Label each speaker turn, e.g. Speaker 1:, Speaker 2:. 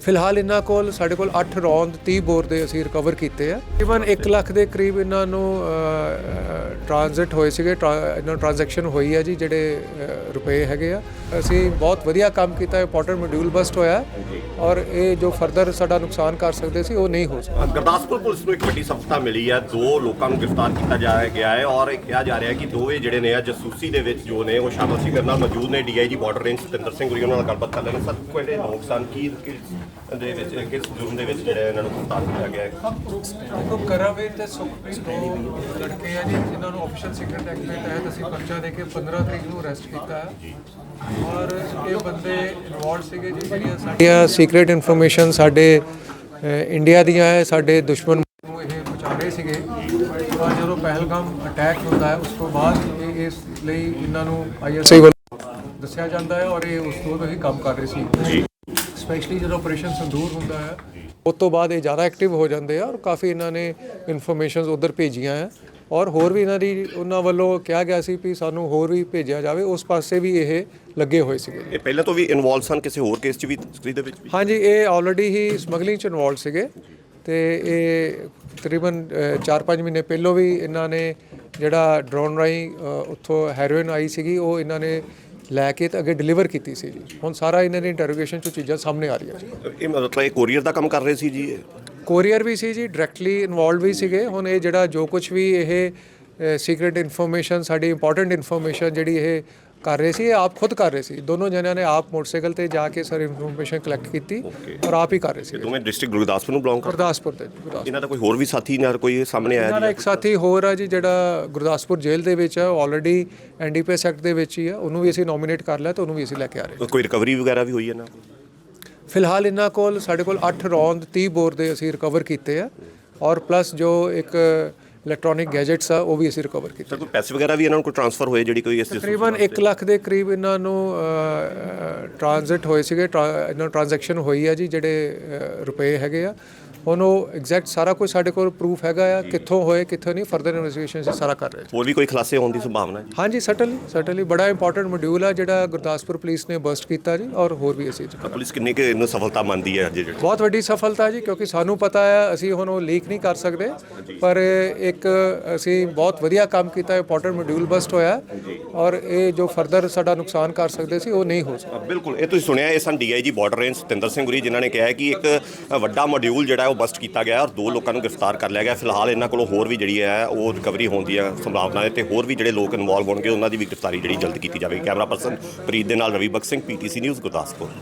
Speaker 1: ਫਿਲਹਾਲ ਇਹਨਾਂ ਕੋਲ ਸਾਡੇ ਕੋਲ 8 ਰੌਂਦ 30 ਬੋਰ ਦੇ ਅਸੀਂ ਰਿਕਵਰ ਕੀਤੇ ਆ। ਤਕਰੀਬਨ 1 ਲੱਖ ਦੇ ਕਰੀਬ ਇਹਨਾਂ ਨੂੰ ਟ੍ਰਾਂਜ਼ਿਟ ਹੋਏ ਸੀਗੇ, ਇਹਨਾਂ ਟ੍ਰਾਂਜੈਕਸ਼ਨ ਹੋਈ ਹੈ ਜੀ, ਜਿਹੜੇ ਰੁਪਏ ਹੈਗੇ ਆ। ਅਸੀਂ ਬਹੁਤ ਵਧੀਆ ਕੰਮ ਕੀਤਾ, ਇੰਪੋਰਟੈਂਟ ਮੋਡਿਊਲ ਬਸਟ ਹੋਇਆ ਔਰ ਇਹ ਜੋ ਫਰਦਰ ਸਾਡਾ ਨੁਕਸਾਨ ਕਰ ਸਕਦੇ ਸੀ ਉਹ ਨਹੀਂ ਹੋ ਸਕਦਾ।
Speaker 2: ਗੁਰਦਾਸਪੁਰ ਪੁਲਿਸ ਨੂੰ ਇੱਕ ਵੱਡੀ ਸਫਲਤਾ ਮਿਲੀ ਹੈ, 2 ਲੋਕਾਂ ਨੂੰ ਗ੍ਰਿਫਤਾਰ ਕੀਤਾ ਗਿਆ ਹੈ ਔਰ ਕਿਹਾ ਜਾ ਰਿਹਾ ਹੈ ਕਿ ਦੋਵੇਂ ਜਿਹੜੇ ਨੇ ਜਸੂਸੀ ਦੇ ਵਿੱਚ ਜੋ ਨੇ ਉਹ ਸ਼ਾਮਲ ਸੀ। ਮੇਰੇ ਨਾਲ ਮੌਜੂਦ ਨੇ DIG border range Satinder Singh Guri, ਉਹਨਾਂ ਨਾਲ ਗੱਲਬਾਤ ਕਰ ਲੈਣਾ। ਸਰ, ਕਿਹੜੇ ਲੋਕ ਸਨ, ਕਿਸ ਜੁਰਮ ਦੇ ਵਿੱਚ ਜਿਹੜੇ ਇਹਨਾਂ ਨੂੰ ਗ੍ਰਿਫਤਾਰ ਕੀਤਾ ਗਿਆ ਹੈ?
Speaker 1: ਦੇਖੋ, ਕਰਮਵੀਰ ਤੇ ਸੁਖਪ੍ਰੀਤ ਦੋ ਲੜਕੇ ਆ ਜੀ, ਜਿਨ੍ਹਾਂ ਨੂੰ ਆਫੀਸ਼ੀਅਲ ਸੀਕ੍ਰੇਟ ਐਕਟ ਦੇ ਤਹਿਤ ਅਸੀਂ ਪਰਚਾ ਦੇ ਕੇ 15 ਤਰੀਕ ਨੂੰ ਅਰੈਸਟ ਕੀਤਾ ਹੈ ਔਰ ਇਹ ਬੰਦੇ ਇਨਵੋਲਵ ਸੀਗੇ ਜੀ। ਜਿਹੜੀਆਂ ਸਾਡੀਆਂ ਸੀਕ੍ਰੇਟ ਇਨਫੋਰਮੇਸ਼ਨ ਸਾਡੇ ਇੰਡੀਆ ਦੀਆਂ ਹੈ, ਸਾਡੇ ਦੁਸ਼ਮਣ ਨੂੰ ਇਹ ਪਹੁੰਚਾ ਰਹੇ ਸੀਗੇ। ਔਰ ਜਦੋਂ ਪਹਿਲਗਾਮ ਅਟੈਕ ਹੁੰਦਾ ਹੈ ਉਸ ਤੋਂ ਬਾਅਦ ਇਸ ਲਈ ਇਹਨਾਂ ਨੂੰ ISI ਵੱਲੋਂ ਦੱਸਿਆ ਜਾਂਦਾ ਹੈ ਔਰ ਇਹ ਉਸ ਤੋਂ ਹੀ ਕੰਮ ਕਰ ਰਹੇ ਸੀ। ਸਪੈਸ਼ਲੀ ਜਦੋਂ ਆਪਰੇਸ਼ਨ ਸੰਦੂਰ ਹੁੰਦਾ ਹੈ ਉਸ ਤੋਂ ਬਾਅਦ ਇਹ ਜ਼ਿਆਦਾ ਐਕਟਿਵ ਹੋ ਜਾਂਦੇ ਆ ਔਰ ਕਾਫੀ ਇਹਨਾਂ ਨੇ ਇਨਫੋਰਮੇਸ਼ਨਸ ਉੱਧਰ ਭੇਜੀਆਂ ਹੈ ਔਰ ਹੋਰ ਵੀ ਉਹਨਾਂ ਵੱਲੋਂ ਕਿਹਾ ਗਿਆ ਸੀ ਵੀ ਸਾਨੂੰ ਹੋਰ ਵੀ ਭੇਜਿਆ ਜਾਵੇ, ਉਸ ਪਾਸੇ ਵੀ ਇਹ ਲੱਗੇ ਹੋਏ ਸੀਗੇ।
Speaker 2: ਇਹ ਪਹਿਲਾਂ ਤੋਂ ਵੀ ਇਨਵੋਲਵ ਸਨ ਕਿਸੇ ਹੋਰ ਕੇਸ 'ਚ ਵੀ, ਤਸਕਰੀ ਦੇ ਵਿੱਚ ਵੀ?
Speaker 1: ਹਾਂਜੀ, ਇਹ ਆਲਰੇਡੀ ਹੀ ਸਮਗਲਿੰਗ 'ਚ ਇਨਵੋਲਵ ਸੀਗੇ ਤੇ ਇਹ ਤਕਰੀਬਨ 4-5 ਮਹੀਨੇ ਪਹਿਲਾਂ ਵੀ ਇਹਨਾਂ ਨੇ ਜਿਹੜਾ ਡਰੋਨ ਰਾਹੀਂ ਉੱਥੋਂ ਹੈਰੋਇਨ ਆਈ ਸੀਗੀ ਉਹ ਇਹਨਾਂ ਨੇ ਲੈ ਕੇ ਤੇ ਅੱਗੇ ਡਿਲੀਵਰ ਕੀਤੀ ਸੀ ਜੀ। ਹੁਣ ਸਾਰਾ ਇਹਨਾਂ ਦੀ ਇੰਟਰੋਗੇਸ਼ਨ 'ਚ ਚੀਜ਼ਾਂ ਸਾਹਮਣੇ ਆ ਰਹੀਆਂ ਜੀ।
Speaker 2: ਇਹ ਮਤਲਬ ਇਹ ਕੋਰੀਅਰ ਦਾ ਕੰਮ ਕਰ ਰਹੇ ਸੀ ਜੀ?
Speaker 1: ਕੋਰੀਅਰ ਵੀ ਸੀ ਜੀ, ਡਾਇਰੈਕਟਲੀ ਇਨਵੋਲਵ ਵੀ ਸੀਗੇ। ਹੁਣ ਇਹ ਜਿਹੜਾ ਜੋ ਕੁਝ ਵੀ ਇਹ ਸੀਕ੍ਰੇਟ ਇਨਫੋਰਮੇਸ਼ਨ, ਸਾਡੀ ਇੰਪੋਰਟੈਂਟ ਇਨਫੋਰਮੇਸ਼ਨ ਜਿਹੜੀ ਇਹ ਕਰ ਰਹੇ ਸੀ, ਇਹ ਆਪ ਖੁਦ ਕਰ ਰਹੇ ਸੀ। ਦੋਨੋਂ ਜਣਿਆਂ ਨੇ ਆਪ ਮੋਟਰਸਾਈਕਲ ਤੇ ਜਾ ਕੇ ਸਾਰੀ ਇਨਫੋਰਮੇਸ਼ਨ ਕਲੈਕਟ ਕੀਤੀ ਔਰ ਆਪ ਹੀ ਕਰ ਰਹੇ ਸੀ।
Speaker 2: ਦੋਵੇਂ ਡਿਸਟ੍ਰਿਕਟ ਗੁਰਦਾਸਪੁਰ ਨੂੰ ਬਿਲੋਂਗ ਕਰਦੇ?
Speaker 1: ਗੁਰਦਾਸਪੁਰ ਤੇ।
Speaker 2: ਇਹਨਾਂ ਦਾ ਕੋਈ ਹੋਰ ਵੀ ਸਾਥੀ ਨਾਲ ਕੋਈ ਸਾਹਮਣੇ ਆਇਆ?
Speaker 1: ਇਹਨਾਂ ਦਾ ਇੱਕ ਸਾਥੀ ਹੋਰ ਆ ਜੀ, ਜਿਹੜਾ ਗੁਰਦਾਸਪੁਰ ਜੇਲ੍ਹ ਦੇ ਵਿੱਚ ਆ, ਆਲਰੇਡੀ NDPS ਐਕਟ ਦੇ ਵਿੱਚ ਹੀ ਆ। ਉਹਨੂੰ ਵੀ ਅਸੀਂ ਨੋਮੀਨੇਟ ਕਰ ਲਿਆ ਤੇ ਉਹਨੂੰ ਵੀ ਅਸੀਂ ਲੈ ਕੇ ਆ ਰਹੇ।
Speaker 2: ਕੋਈ ਰਿਕਵਰੀ ਵਗੈਰਾ ਵੀ ਹੋਈ ਹੈ ਨਾ?
Speaker 1: ਫਿਲਹਾਲ ਇਹਨਾਂ ਕੋਲ ਸਾਡੇ ਕੋਲ 8 ਰੌਂਦ 30 ਬੋਰ ਦੇ ਅਸੀਂ ਰਿਕਵਰ ਕੀਤੇ ਆ ਔਰ ਪਲੱਸ ਜੋ ਇੱਕ ਇਲੈਕਟ੍ਰੋਨਿਕ ਗੈਜਟਸ ਆ ਉਹ ਵੀ ਅਸੀਂ ਰਿਕਵਰ ਕੀਤੇ।
Speaker 2: ਕੋਈ ਪੈਸੇ ਵਗੈਰਾ ਵੀ ਇਹਨਾਂ ਨੂੰ ਕੋਈ ਟ੍ਰਾਂਸਫਰ ਹੋਏ ਜਿਹੜੀ ਕੋਈ?
Speaker 1: ਤਕਰੀਬਨ 1 ਲੱਖ ਦੇ ਕਰੀਬ ਇਹਨਾਂ ਨੂੰ ਟ੍ਰਾਂਜ਼ਿਟ ਹੋਏ ਸੀਗੇ, ਇਹਨਾਂ ਟ੍ਰਾਂਜੈਕਸ਼ਨ ਹੋਈ ਆ ਜੀ, ਜਿਹੜੇ ਰੁਪਏ ਹੈਗੇ ਆ। ਹੁਣ ਉਹ ਐਗਜ਼ੈਕਟ ਸਾਰਾ ਕੁਝ ਸਾਡੇ ਕੋਲ ਪ੍ਰੂਫ ਹੈਗਾ ਆ, ਕਿੱਥੋਂ ਹੋਏ ਕਿੱਥੋਂ ਨਹੀਂ, ਫਰਦਰ ਇਨਵੈਸਟੀਗੇਸ਼ਨ ਅਸੀਂ ਸਾਰਾ ਕਰ ਰਹੇ।
Speaker 2: ਹੋਰ ਵੀ ਕੋਈ ਖੁਲਾਸੇ ਹੋਣ ਦੀ ਸੰਭਾਵਨਾ ਹੈ?
Speaker 1: ਹਾਂਜੀ, ਸਟਰਲੀ ਬੜਾ ਇੰਪੋਰਟੈਂਟ ਮੋਡਿਊਲ ਆ ਜਿਹੜਾ ਗੁਰਦਾਸਪੁਰ ਪੁਲਿਸ ਨੇ ਬਸਟ ਕੀਤਾ ਜੀ ਔਰ ਹੋਰ ਵੀ ਅਸੀਂ
Speaker 2: ਪੁਲਿਸ ਕਿੰਨੀ ਕਿ ਇਹਨੂੰ ਸਫਲਤਾ ਮੰਨਦੀ ਹੈ? ਅੱਜ
Speaker 1: ਬਹੁਤ ਵੱਡੀ ਸਫਲਤਾ ਜੀ, ਕਿਉਂਕਿ ਸਾਨੂੰ ਪਤਾ ਹੈ ਅਸੀਂ ਹੁਣ ਉਹ ਲੀਕ ਨਹੀਂ ਕਰ ਸਕਦੇ, ਪਰ ਇੱਕ ਅਸੀਂ ਬਹੁਤ ਵਧੀਆ ਕੰਮ ਕੀਤਾ, ਇੰਪੋਰਟੈਂਟ ਮੋਡਿਊਲ ਬਸਟ ਹੋਇਆ ਔਰ ਇਹ ਜੋ ਫਰਦਰ ਸਾਡਾ ਨੁਕਸਾਨ ਕਰ ਸਕਦੇ ਸੀ ਉਹ ਨਹੀਂ ਹੋ ਸਕਦਾ।
Speaker 2: ਬਿਲਕੁਲ, ਇਹ ਤੁਸੀਂ ਸੁਣਿਆ, ਇਹ ਸਨ DIG border range Satinder Singh Guri, ਜਿਨ੍ਹਾਂ ਨੇ ਕਿਹਾ ਹੈ ਕਿ ਇੱਕ ਵੱਡਾ ਮੋਡਿਊਲ ਜਿਹੜਾ ਉਹ ਬਸਟ ਕੀਤਾ ਗਿਆ ਔਰ 2 ਲੋਕਾਂ ਨੂੰ ਗ੍ਰਿਫਤਾਰ ਕਰ ਲਿਆ ਗਿਆ। ਫਿਲਹਾਲ ਇਹਨਾਂ ਕੋਲੋਂ ਹੋਰ ਵੀ ਜਿਹੜੀ ਹੈ ਉਹ ਰਿਕਵਰੀ ਹੋਣ ਦੀਆਂ ਸੰਭਾਵਨਾ ਹੈ ਤੇ ਹੋਰ ਵੀ ਜਿਹੜੇ ਲੋਕ ਇਨਵੋਲਵ ਹੋਣਗੇ ਉਹਨਾਂ ਦੀ ਵੀ ਗ੍ਰਿਫਤਾਰੀ ਜਿਹੜੀ ਜਲਦ ਕੀਤੀ ਜਾਵੇਗੀ। ਕੈਮਰਾ ਪਰਸਨ ਪ੍ਰੀਤ ਦੇ ਨਾਲ ਰਵੀ ਬਖਸ਼ ਸਿੰਘ, PTC ਨਿਊਜ਼, ਗੁਰਦਾਸਪੁਰ।